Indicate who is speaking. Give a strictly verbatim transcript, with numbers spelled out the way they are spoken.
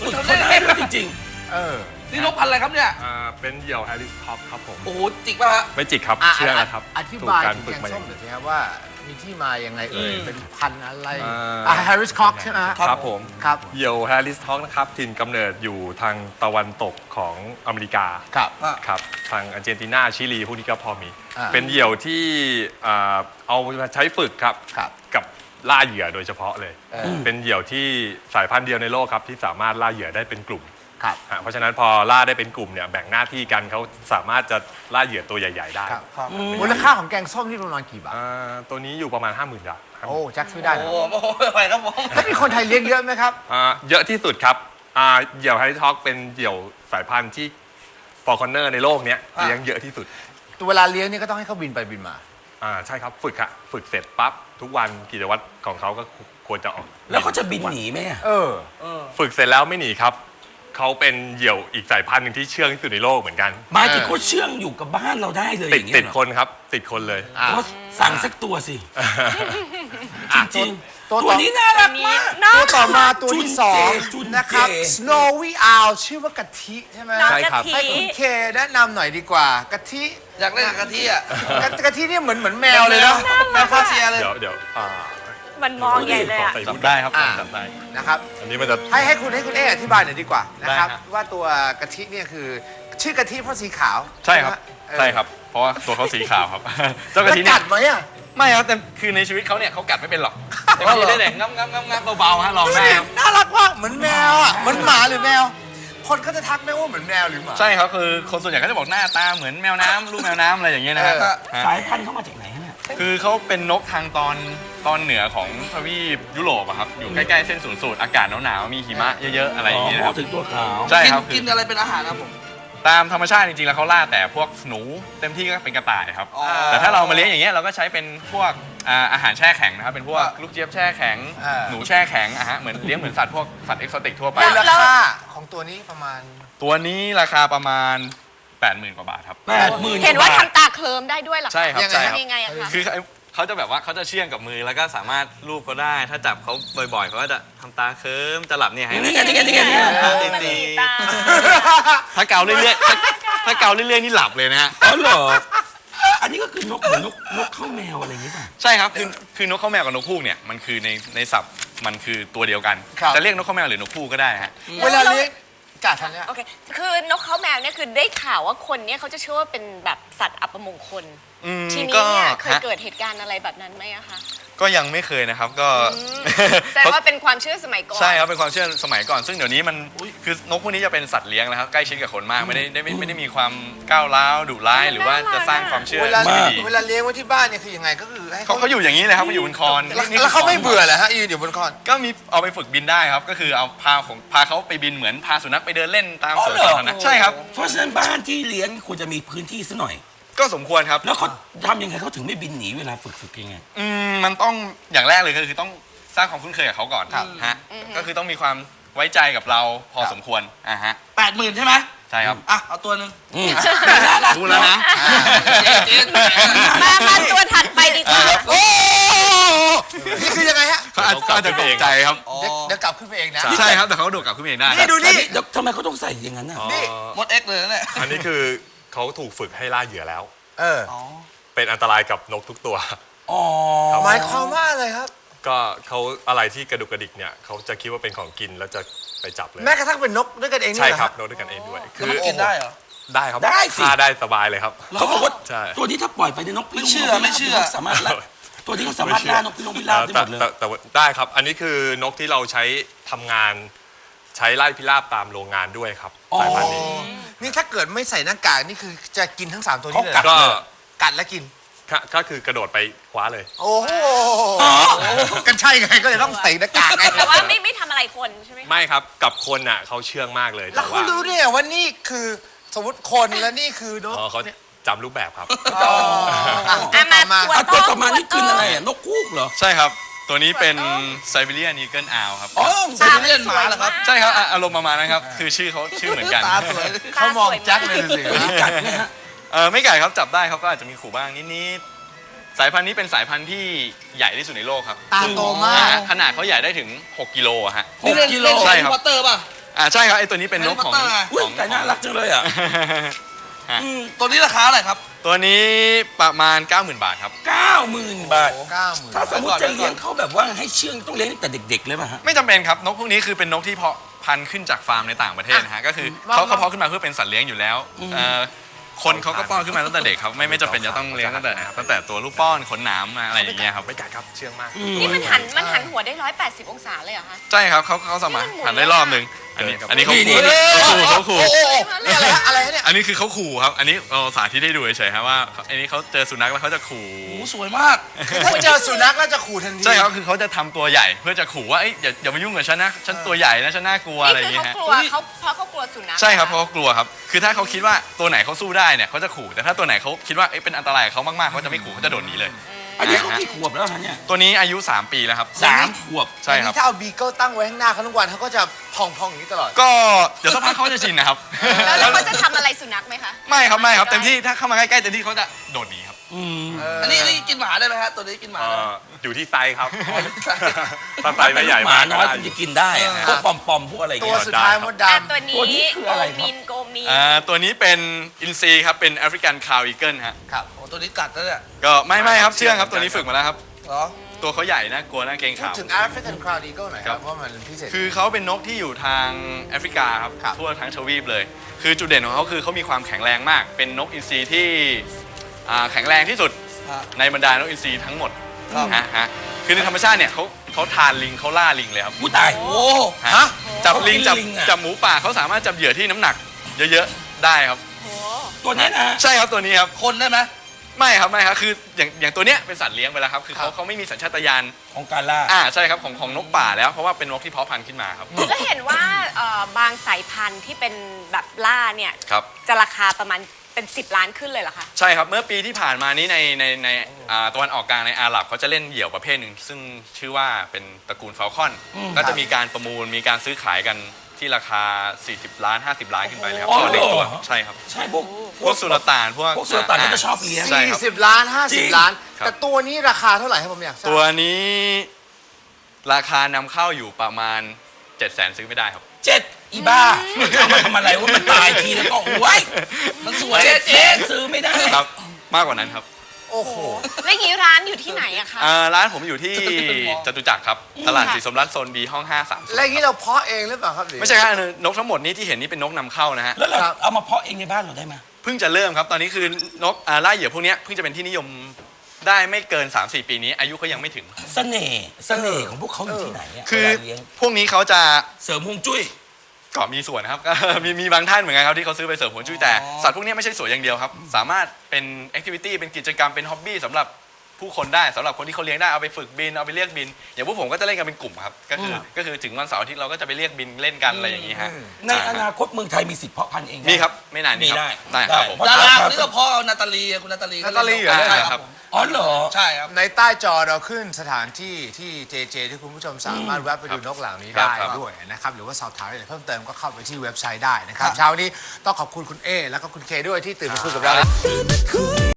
Speaker 1: ฝึกเขาได้ด้วยจริง
Speaker 2: เออ
Speaker 1: ๆนี่นกพันธุ์อะไรครับเนี่ย
Speaker 3: อ่าเป็นเหยี่ยวแฮร์ริสท็อปครับผม
Speaker 1: โอ้โหจิกป่ะฮะ
Speaker 3: ไม่จิกครับ
Speaker 2: อ่ะ
Speaker 3: เชื่อนะครับ
Speaker 2: อธิบาย
Speaker 3: ถูกการ
Speaker 2: ถึง
Speaker 3: ฝึ
Speaker 2: แก
Speaker 3: ก
Speaker 2: ง
Speaker 3: มาอ
Speaker 2: ส้
Speaker 3: ย่าม ง
Speaker 2: หน่อยสิครับว่ามีที่มายังไงเอ่ย
Speaker 1: อืม
Speaker 2: เป็นพันธุ์อะไร
Speaker 3: อ่า
Speaker 2: อ่ะแฮร์ริสคอกใช่ไหมฮะ
Speaker 3: ครับผม
Speaker 2: ครับ
Speaker 3: เหยี่ยวแฮร์ริสท็อกนะครับถิ่นกำเนิดอยู่ทางตะวันตกของอเมริกา
Speaker 2: ครับ
Speaker 3: ครับทางอาร์เจนตินาชิลีพวกนี้ก็พอมี
Speaker 2: อ่า
Speaker 3: เป็นเหยี่ยวที่อ่าเอามาใช้ฝึกครับ
Speaker 2: ครับ
Speaker 3: กับล่าเหยื่อโดยเฉพาะเลย
Speaker 2: เออ
Speaker 3: เป็นเหยี่ยวที่สายพันธุ์เดียวในโลกครับที่สามารถล่าเหยื่อได้เป็นกลุ่ม
Speaker 2: ครับ
Speaker 3: ฮะเพราะฉะนั้นพอล่าได้เป็นกลุ่มเนี่ยแบ่งหน้าที่กันเขาสามารถจะล่าเหยื่อตัวใหญ่ ๆ ได้
Speaker 2: ครับมูลค่าของแกงส้มนี่ประมาณกี่บาท
Speaker 3: อ่าตัวนี้อยู่ประมาณ ห้าหมื่น บาทครับ
Speaker 2: โอ้แจ็คซื้อได้
Speaker 1: โอ้
Speaker 2: นะ
Speaker 1: โหไม่ไหวครับผม
Speaker 2: แล้วมีคนไทยเลี้ยงเยอะไหมครับ
Speaker 3: อ่าเยอะที่สุดครับอ่าเหยี่ยวแฮร์ริสท็อกเป็นเหยี่ยวสายพันธุ์ที่ฟอร์คอนเนอร์ในโลกเนี้ยเลี้ยงเยอะที่สุด
Speaker 2: เวลาเลี้ยงนี่ก็ต้องให้เขาบินไปบินมา
Speaker 3: อ่าใช่ครับฝึกฮะฝึกเสร็จปั๊บทุกวันกิจวัตรของเขาก็ควรจะออก
Speaker 1: แล้วเขาจะบินหนีไหมอะ
Speaker 2: เออ
Speaker 3: ฝึกเสร็จแล้วไม่หนีครับเขาเป็นเหยี่ยวอีกสายพันธุ์หนึ่งที่เชื่องที่สุดในโลกเหมือนกัน
Speaker 1: หมายถึงเขาเชื่องอยู่กับบ้านเราได้เลย
Speaker 3: ติด
Speaker 1: อย่างเงี้
Speaker 3: ติ
Speaker 1: ย
Speaker 3: ด
Speaker 1: เหรอ
Speaker 3: คนครับติดคนเลย
Speaker 2: อ่ะ
Speaker 1: ก็สั่งสักตัวสิ จริงๆ
Speaker 2: ตัว
Speaker 1: ตัวนี้น่ารักมาก
Speaker 2: ตัวต่อมาตัวที่สอง
Speaker 1: จุนเจ
Speaker 2: นะครับ Snowy Owl ชื่อว่ากะทิใช่ไหม
Speaker 4: น้อง
Speaker 3: ใช่
Speaker 4: กะ
Speaker 3: ครับ
Speaker 4: ทิ
Speaker 2: ให้คุณเคแนะนำหน่อยดีกว่ากะทิ
Speaker 1: อยากเล่นกับกะทิอ่ะ
Speaker 2: กะกะทิเนี่ยเหมือนเหมือนแมวเลยเนาะ
Speaker 1: แมวฟาเซียเลย
Speaker 3: เดี๋ยวเดี๋ยวอ่า
Speaker 4: มันมองใหญ่เลยอ่ะ
Speaker 3: ใส่บุญได้ครับ
Speaker 2: อ่า
Speaker 3: จำได้
Speaker 2: นะครับ
Speaker 3: อันนี้มันจะ
Speaker 2: ให้ให้คุณให้คุณเออธิบายหน่อยดีกว่านะครับ
Speaker 3: ได้ฮะ
Speaker 2: ว่าตัวกะทิเนี่ยคือชื่อกะทิเพราะสีขาว
Speaker 3: ใช่ครับ
Speaker 2: ไหมเออ
Speaker 3: ใช่ครับ เพราะว่าตัวเขาสีขาวครับ เจ้ากะ
Speaker 2: แล้ว
Speaker 3: ทิเนี่
Speaker 2: กั
Speaker 3: ย
Speaker 2: ดไหมอ่ะ
Speaker 3: ไม่ครับแต่คือในชีวิตเขาเนี่ยเขากัดไม่เป็นหรอกแต่บางทีได้แต่งับงับงับงับเบาๆฮะลองได้ครับ
Speaker 2: น่ารักมากเหมือนแมวอ่ะเหมือนหมาหรือแมว คนก็จะทักไหมว่าเหมือนแมวหรือหมา
Speaker 3: ใช่ครับคือคนส่วนใหญ่ก็จะบอกหน้าตาเหมือนแมวน้ำลูกแมวน้ำอะไรอย่างเงี้ยนะฮะ
Speaker 2: เออ
Speaker 3: ฮะ
Speaker 1: สายพันธุ์เขามาจากไหนฮะเนี่ย
Speaker 3: คือเขาเป็นนกทางตอนตอนเหนือของทวีปยุโรปอะครับอยู่ใกล้ๆเส้นศูนย์สูตรอากาศหนาวๆมีหิมะเยอะๆอะไรอย่างเงี้ย
Speaker 1: อ๋
Speaker 3: นะค
Speaker 1: อ
Speaker 3: รับ
Speaker 1: ถึงตัวขาว
Speaker 3: ใช่ครับ
Speaker 1: กินอะไรเป็นอาหารครับผม
Speaker 3: ตามธรรมชาติจริงๆแล้วเขาล่าแต่พวกหนูเต็มที่ก็เป็นกระต่ายครับ
Speaker 1: อ๋อ
Speaker 3: แต่ถ้าเรามาเลี้ยงอย่างเงี้ยเราก็ใช้เป็นพวกอ่าอาหารแช่แข็งนะครับเป็นพวกลูกเจี๊ยบแช่แข็ง
Speaker 2: อ่า
Speaker 3: หนูแช่แข็งอะฮะเหมือนเลี้ยงเหมือนสัตว์พวกสัตว์เอกโซติกทั่วไป
Speaker 2: ราคาของตัวนี้ประมาณ
Speaker 3: ตัวนี้ราคาประมาณ แปดหมื่น กว่าบาทครับ
Speaker 1: แปดหมื่น
Speaker 4: เห็นว่าทำตาเคลิ้มได้ด้วยเหรอคะ
Speaker 3: ใช่ครับ
Speaker 2: ยังไง
Speaker 3: ใช่ครับ
Speaker 4: ทำยังไงอะคะ
Speaker 3: คือเขาจะแบบว่าเขาจะเชื่องกับมือแล้วก็สามารถลูบเขาได้ ถ้าจับเขาบ่อยๆเขาก็จะทำตาเคิมจะหลับเนี่ยให้
Speaker 1: นี่ไงนี่ไงนี่ไงนี่ไง
Speaker 3: ตา
Speaker 4: มัน
Speaker 3: ตี
Speaker 4: มีตา
Speaker 3: ถ้าเกาเรื่อยๆถ้าถ้าเกาเรื่อยๆนี่หลับเลยนะฮะ
Speaker 1: อ๋อเหรออันนี้ก็คือนกเหมือนนกนกข้าวแมวอะไรอย่างงี้ป่ะ
Speaker 3: ใช่ครับคือคือนกข้าวแมวกับนกฮูกเนี่ยมันคือในในศัพท์มันคือตัวเดียวกัน
Speaker 2: ครับ
Speaker 3: จะเรียกนกข้าวแมวหรือนกฮูกก็ได้ฮะ
Speaker 2: เวลาเลี้ยงกาดทันเนี่ย
Speaker 4: โอเค คือนกเขาแมวเนี่ยคือได้ข่าวว่าคนเนี่ยเขาจะเชื่อว่าเป็นแบบสัตว์อัปมงคล
Speaker 3: อืม
Speaker 4: ทีนี้เนี่ย
Speaker 3: ก็
Speaker 4: เคย
Speaker 3: ฮะ
Speaker 4: เกิดเหตุการณ์อะไรแบบนั้นไหมอะคะ
Speaker 3: ก็ยังไม่เคยนะครับก็
Speaker 4: แสดงว่าเป็นความเชื่อสมัยก่อน
Speaker 3: ใช่ครับเป็นความเชื่อสมัยก่อน ซึ่งเดี๋ยวนี้มันคือนกพวกนี้จะเป็นสัตว์เลี้ยงแล้วครับใกล้ชิดกับคนมากไม่ได้ไม่ได้ไม่ได้มีความก้าวร้าวดุร้ายหรือว่าจะสร้างความเชื่อ
Speaker 2: เวลา
Speaker 3: ไม่ดี
Speaker 2: เวลาเลี้ยงไว้ที่บ้านเนี่ยคือยังไงก็คือให้
Speaker 3: เขาเขาอยู่อย่างนี้เลยครับเขาอยู่บนคอน
Speaker 2: แล้ว
Speaker 3: นี่
Speaker 2: แล้วเขาไม่เบื่อเหรอฮะยืนอยู่บนคอน
Speaker 3: ก็มีเอาไปฝึกบินได้ครับ ก็คือเอาพาของพาเขาไปบินเหมือนพาสุนัขไปเดินเล่นตาม
Speaker 1: อ๋อ
Speaker 3: สวน
Speaker 1: เหรอ
Speaker 3: สาธารณะใช่ครับ
Speaker 1: เพราะฉะนั้นบ้านที่เลี้ยงควรจะมีพื้นที่ซะหน่อย
Speaker 3: ก็สมควรครับ
Speaker 1: แล้วเขาทำยังไงเขาถึงไม่บินหนีเวลาฝึกฝึกยังไง
Speaker 3: อืมมันต้องอย่างแรกเลยก็คือต้องสร้างความคุ้นเคยกับเขาก่อน
Speaker 2: ครับ
Speaker 3: ฮะก็คือต้องมีความไว้ใจกับเราพอ
Speaker 2: ครับ
Speaker 3: สมควรอ่ะฮะ
Speaker 1: แปดหมื่นใช่ไหม
Speaker 3: ใช่ครับ
Speaker 1: อ่ะเอาตัวหนึ่ง
Speaker 3: รู้แล้วนะ
Speaker 1: เจ๊เจ๊
Speaker 4: มามาตัวถัดไปดีกว่า
Speaker 2: โอ้นี่คือยังไงฮะ
Speaker 3: เขาอาจเขาอาจจะตกใจครับ
Speaker 2: เดี๋ยวเดี๋ยวกลับขึ้นไปเองนะ
Speaker 3: ใช่ครับแต่เขาโดดกลับขึ้นมาเองได้
Speaker 2: นี่ดูนี่
Speaker 1: เดี๋ยวทำไมเขาต้องใส่อย่างนั้นน่ะ
Speaker 2: นี่
Speaker 1: มดเอ็กเลยนะเนี่ย
Speaker 3: อันนี้คือเขาถูกฝึกให้ล่าเหยื่อแล้ว
Speaker 2: เออ
Speaker 3: เป็นอันตรายกับนกทุกตัว
Speaker 1: อ๋อ
Speaker 2: หมายความว่าอะไรครับ
Speaker 3: ก็เขาอะไรที่กระดุกกระดิกเนี่ยเขาจะคิดว่าเป็นของกินแล้วจะไปจับเลย
Speaker 2: แม้กระทั่งเป็นนกด้วยกันเองนี่
Speaker 3: ใช่
Speaker 2: เหอ
Speaker 3: ครับ
Speaker 2: ฮะ
Speaker 3: นกด้วยกันเองด้วย
Speaker 1: แล้วมันกินได้เหรอ
Speaker 3: ได้ครับ
Speaker 1: ได้สิ
Speaker 3: ฆ่าได้สบายเลยครับ
Speaker 1: เขาบอกว่า
Speaker 3: ใช่
Speaker 1: ตัวนี้ถ้าปล่อยไปในนกพิราบ
Speaker 5: ไม่เชื่อไม่เชื่อ
Speaker 1: เขาสามารถล่าตัวนี้เขาสามารถล่านกพิราบพิราบได้หมดเลย
Speaker 3: แต่แต่แต่ได้ครับ อันนี้คือนกที่เราใช้ทำงาน ใช้ไล่พิราบตามโรงงานด้วยครับ
Speaker 1: อ๋อ
Speaker 3: สายพันธุ์นี้
Speaker 2: นี่ถ้าเกิดไม่ใส่หน้ากากนี่คือจะกินทั้งสามตัวนี้เลย
Speaker 1: เขากัด
Speaker 2: เหรอ
Speaker 3: ก็
Speaker 2: กัดแล้วกิน
Speaker 3: ก็ก็คือกระโดดไปคว้าเลย
Speaker 2: โอ้โหกันใช่ไงก็เลยต้องใส่หน้ากากไง
Speaker 4: แต่ว่าไม่ไม่ทำอะไรคนใช่ไหมคะ
Speaker 3: ไม่ครับกับคนน่ะเขาเชื่องมากเลย
Speaker 2: แล้ว
Speaker 3: แต่
Speaker 2: เขา
Speaker 3: ว่า
Speaker 2: รู้เนี่ยว่านี่คือสมมติคนและนี่คือนก
Speaker 3: อ๋อเขาจำรูปแบบครับ
Speaker 2: อ๋ออ่ะ
Speaker 4: อ่ะ
Speaker 2: ต่อ
Speaker 4: มา
Speaker 2: มา
Speaker 4: ตัว
Speaker 1: อ่ะตัว
Speaker 4: ต้
Speaker 1: ต่
Speaker 4: อ
Speaker 1: อง มานี่กินอะไรอ่ะนกคูกเหรอ
Speaker 3: ใช่ครับ ตัวนี้เป็นไซบีเรียนอีเกิลอาวครับ
Speaker 1: อ๋อ
Speaker 5: ไซบีเรียนหมาเหรอครับ
Speaker 3: ใช่ครับอ่ะอารมณ์ประมาณนั้นครับ คือชื่อเขาชื่อเหมือนกัน
Speaker 5: ตาสวย
Speaker 2: เขามองแจ็คเลยสิ
Speaker 1: ตัวนี้กัดไหมฮะ
Speaker 3: เออไม่ไก่ครับจับได้เขาก็อาจจะมีขู่บ้างนิดๆสายพันธุ์นี้เป็นสายพันธุ์ที่ใหญ่ที่สุดในโลกครับ
Speaker 2: ตาโตมา
Speaker 3: นะ
Speaker 2: ก
Speaker 3: ฮะขนาดเขาใหญ่ได้ถึงหกกิโลอะฮะ
Speaker 1: ห
Speaker 5: นี่
Speaker 1: ก
Speaker 5: เล่น
Speaker 1: กิโล
Speaker 5: เล่น
Speaker 3: ใช่
Speaker 5: แฮร์
Speaker 3: ครับ
Speaker 5: รี่พอตเตอร์ป่ะ
Speaker 3: อ่าใช่ครับไอตัวนี้เป็นนกของ
Speaker 2: แฮร์รี่พอตเตอร์ไง
Speaker 1: อุ้ยแต่น่ารักจังเลยอ่ะ
Speaker 2: อืมตัวนี้ราคาอะไรครับ
Speaker 3: ตัวนี้ประมาณ เก้าหมื่น บาทครับ
Speaker 1: เก้าหมื่นบาท
Speaker 2: เก้าหมื่น
Speaker 1: ถ้าสมมติจะเลี้ยงเขาแบบว่าให้เชื่องต้องเลี้ยงตั้งแต่เด็กๆเลยป่ะฮะ
Speaker 3: ไม่จำเป็นครับนกพวกนี้คือเป็นนกที่เพาะพันธุ์ขึ้นจากฟาร์มในต่างประเทศนะฮะก็คือ
Speaker 2: มา
Speaker 3: เขา
Speaker 2: มา
Speaker 3: เขาเพาะขึ้นมาเพื่อเป็นสัตว์เลี้ยงอยู่แล้วเอ่อคนเขาก็ป้อนขึ้นมาตั้งแต่เด็กครับไม่ไม่จำเป็นจะต้องเลี้ยงตั้งแต่ตั้งแต่ตัวลูกป้อนขนหนามมาอะไรอย่างเงี้ยครับ
Speaker 2: ไม่กัดครับเชื่องมาก
Speaker 4: นี่มันหันมันหันหัวได้ร้อยแปดสิบองศาเลยเหรอคะ
Speaker 3: ใช่ครับเขาเขาสามารถหันได้รอบหนึ่งอันนี้อันนี้เขา
Speaker 1: นี่
Speaker 3: ขู่
Speaker 1: นี่
Speaker 3: เขาขู่เขาขู่
Speaker 2: โอ้โหนี่อะไรฮะอะไรฮะเนี่ย
Speaker 3: อันนี้คือเขาขู่ครับอันนี้เราสาธิตให้ดูเฉยๆครับว่าอันนี้เขาเจอสุนัขแล้วเขาจะขู่
Speaker 1: โอ้สวยมาก
Speaker 2: ถ้าเจอสุนัขแล้วจะขู่ทันที
Speaker 3: ใช่ครับคือเขาจะทำตัวใหญ่เพื่อจะขู่ว่าเอ้ยอย่าอย่ามายุ่งกับฉันนะฉันตัวใหญ่นะฉันน่ากลัวอะไรอ
Speaker 4: นี่
Speaker 3: ย่าง
Speaker 4: คือ
Speaker 3: เงี้ย
Speaker 4: เขา
Speaker 3: ฮะ
Speaker 4: กลัวเขาเพราะเขากลัวสุนัข
Speaker 3: ใช่ครับเพราะเขากลัวครับคือถ้าเขาคิดว่าตัวไหนเขาสู้ได้เนี่ยเขาจะขู่แต่ถ้าตัวไหนเขาคิดว่าเอ้ยเป็นอันตรายกับเขามากๆเขาจะไม่ขู่เขาจะโดดหนีเลย
Speaker 1: อันนี้เขากี่ขวบแล้วฮะเนี่ย
Speaker 3: ตัวนี้อายุสามปีแล้วครับ
Speaker 1: สามขวบ
Speaker 3: ใช่ครับ
Speaker 2: นี่ถ้าเอาบีเกิลตั้งไว้ข้างหน้าเขาทุกวันเขาก็จะพองๆอย่างนี้ตลอด
Speaker 3: ก็เดี๋ยวสักพักเขาจะชินนะครับ
Speaker 4: แล้วแล้วเขาจะทำอะไรสุนัขไหมคะ
Speaker 3: ไม่ครับไม่ครับเต็มที่ถ้าเข้ามาใกล้ๆเต็มที่เขาจะโดดหนีครับ
Speaker 1: อืม
Speaker 2: อันนี้อันนี้กินหมาได้ไหมฮะตัวนี้กินหมา
Speaker 5: เอ่
Speaker 2: ได้ไหม
Speaker 5: ออยู่ที่ไซส์ครับ ถ้าไซส์
Speaker 1: เป็
Speaker 5: ไม่
Speaker 1: น
Speaker 5: ใหญ่
Speaker 1: หมาม
Speaker 5: าก
Speaker 1: น้อย
Speaker 5: ก็
Speaker 1: คุณ
Speaker 5: ได้
Speaker 1: จะกินได้อะ
Speaker 2: เออ
Speaker 1: พวกปอมปอมๆพวกอะไรอย่าง
Speaker 2: ตัว
Speaker 1: เงี้ย
Speaker 2: สุดท้ายมดด
Speaker 4: อ่ะตัวนี้
Speaker 1: ตัวนี้คืออะไร
Speaker 4: โก
Speaker 1: ครับ
Speaker 4: มินโกมิน
Speaker 3: อ่าตัวนี้เป็นอินซีครับเป็นแอฟริกันคาวอีเกิลฮะ
Speaker 2: ำครับโอ้ตัวนี้กัดแล้วเนี่ย
Speaker 3: ก็ไม่ไม่ครับเชื่องครับตัวนี้ฝึกมาแล้วครับ
Speaker 2: เหรอ
Speaker 3: ตัวเขาใหญ่นะกลัวนะเกรง
Speaker 2: พูด
Speaker 3: ขาว
Speaker 2: ถึง African Crown Eagle หน่อยค
Speaker 3: ครั
Speaker 2: รับบ ว่ามันพิเศษ
Speaker 3: คือเขาเป็นนกที่อยู่ทางแอฟริกาครับ
Speaker 2: ครับ
Speaker 3: ทั่วทั้งทวีปเลย คือจุดเด่นของเขาคือเขามีความแข็งแรงมาก เป็นนกอินทรีที่อ่าแข็งแรงที่สุด
Speaker 2: ฮะ
Speaker 3: ในบรรดานกอินทรีทั้งหมด
Speaker 2: ครับ
Speaker 3: ฮะฮะคือในธรรมชาติเนี่ยเขาเขาทานลิงเขาล่าลิงเลยครับ
Speaker 1: กูตาย
Speaker 2: โอ้
Speaker 3: ฮะ
Speaker 2: ฮะ
Speaker 3: จับลิงจับ
Speaker 1: ลิงอะ
Speaker 3: จับหมูป่าเขาสามารถจับเหยื่อที่น้ำหนัก เยอะๆได้ครับ
Speaker 4: โห
Speaker 1: ตัวเนี้ยนะ
Speaker 3: ใช่ครับตัวนี้ครับ
Speaker 2: คนได้ไหม
Speaker 3: ไม่ครับไม่ครับคืออย่างอย่างตัวเนี้ยเป็นสัตว์เลี้ยงไปแล้วครับคือเขา
Speaker 2: ครับ
Speaker 3: เขาไม่มีสัญชาตญาณ
Speaker 1: ของการล่า
Speaker 3: อ่าใช่ครับของของนกป่าแล้วเพราะว่าเป็นนกที่เพาะพันธุ์ขึ้นมาครับ
Speaker 4: แล้วเห็นว่าเอ่อบางสายพันธุ์ที่เป็นแบบล่าเนี่ย
Speaker 3: ครับ
Speaker 4: จะราคาประมาณเป็นสิบล้านขึ้นเลยเหรอคะ
Speaker 3: ใช่ครับ เมื่อปีที่ผ่านมานี้ในในในอ่าตะวันออกกลางในอาหรับเขาจะเล่นเหยี่ยวประเภทหนึ่งซึ่งชื่อว่าเป็นตระกูลฟาลคอน ก็จะมีการประมูลมีการซื้อขายกันที่ราคา สี่สิบ ล้าน ห้าสิบ ล้านขึ้นไปเลยครับ
Speaker 1: อ๋อ
Speaker 3: ต่อหนึ่งตัว
Speaker 1: เหรอ
Speaker 3: ใช่ครับ
Speaker 1: ใช่พวก
Speaker 3: พวกสุลต่านพวก
Speaker 1: พวกสุลต่านก็จะชอบเลี้ยง
Speaker 3: ใช่
Speaker 2: สี่
Speaker 3: ครับ
Speaker 2: สิบล้านห้า
Speaker 1: จริ
Speaker 2: สิบ
Speaker 1: ง
Speaker 2: ล้าน
Speaker 3: ครับ
Speaker 2: แต่ตัวนี้ราคาเท่าไหร่ครับผมอยากทราบ
Speaker 3: ตัวนี้ราคานำเข้าอยู่ประมาณ เจ็ดแสนซื้อไม่ได้ครับ
Speaker 1: เจ็ดอีบ้ามันเอามาทำอะไรว่ามันตายทีแล้วก็โอ้ยมันสวยเจ๊ซื้อไม่ได้
Speaker 3: ครับ มากกว่านั้นครับ
Speaker 2: โอ้โห
Speaker 4: แล้วอย่างนี้ร้านอยู่ที่ไหนอะคะ
Speaker 3: อ่าร้านผมอยู่ที่จตุจักรครับตลาดสีสมรัตน์โซน B ห้องห้าสาม
Speaker 2: แล้วอย่างนี้เราเพาะเองหรือเปล่าครับหรือ
Speaker 3: ไม่ใช่ครับนกทั้งหมดนี้ที่เห็นนี่เป็นนกนำเข้านะฮะ
Speaker 1: แล้วเรา
Speaker 2: ครับ
Speaker 1: เอามาเพาะเองในบ้านเราได้ไหม
Speaker 3: เพิ่งจะเริ่มครับ ตอนนี้คือนกอ่าล่าเหยื่อพวกเนี้ยเพิ่งจะเป็นที่นิยมได้ไม่เกิน สามสี่ ปีนี้ อายุเขายังไม่ถึง
Speaker 1: เสน่ห์เสน่ห์ของพวกเขาอยู่ที่ไหนอะ
Speaker 3: คือ
Speaker 1: เวลาเลี้ยง
Speaker 3: พวกนี้เขาจะ
Speaker 1: เสริมฮวงจุ้ย
Speaker 3: ก็มีส่วนนะครับ มีมีบางท่านเหมือนกันครับที่เขาซื้อไปเสริมผลจุ้ยแต่สัตว์พวกเนี้ยไม่ใช่สวยอย่างเดียวครับ สามารถเป็นแอคทิวิตี้เป็นกิจกรรมเป็นฮ็อบบี้สำหรับผู้คนได้สำหรับคนที่เขาเลี้ยงได้เอาไปฝึกบินเอาไปเรียกบิน อย่างพวกผมก็จะเล่นกันเป็นกลุ่มครับก็คือก็คือถึงวันเสาร์อาทิตย์เราก็จะไปเรียกบินเล่นกันอะไรอย่างนี้ฮะ
Speaker 1: ในอนาคตเมืองไทยมีสิทธิ์เพาะพันธุ์เองได้
Speaker 3: มีครับไม่นานนี้
Speaker 1: มี
Speaker 3: ครับ
Speaker 1: ได้
Speaker 3: ได้ครับผม
Speaker 2: ดาราคนนี้ก็เพาะเอานาตาลีคุณนาตาลี
Speaker 3: นาตาลีเหรอ
Speaker 2: ใช่
Speaker 3: ค
Speaker 2: ค
Speaker 3: รั
Speaker 2: รับ บ
Speaker 1: อ๋อเหรอ
Speaker 2: ใช่ครับในใต้จอเราขึ้นสถานที่ที่เจเจที่คุณผู้ชมสามารถแวะไปดูนกเหล่านี้
Speaker 3: ครับ
Speaker 2: ได้
Speaker 3: ครับ
Speaker 2: ด้วยนะครับหรือว่าสอบถามอะไรเพิ่มเติมก็เข้าไปที่เว็บไซต์ได้นะครับเช้านี้ต้องขอบคุณคุณเอแล้วก็คุณเคด้วยที่ตื่นมาคุยกับเรา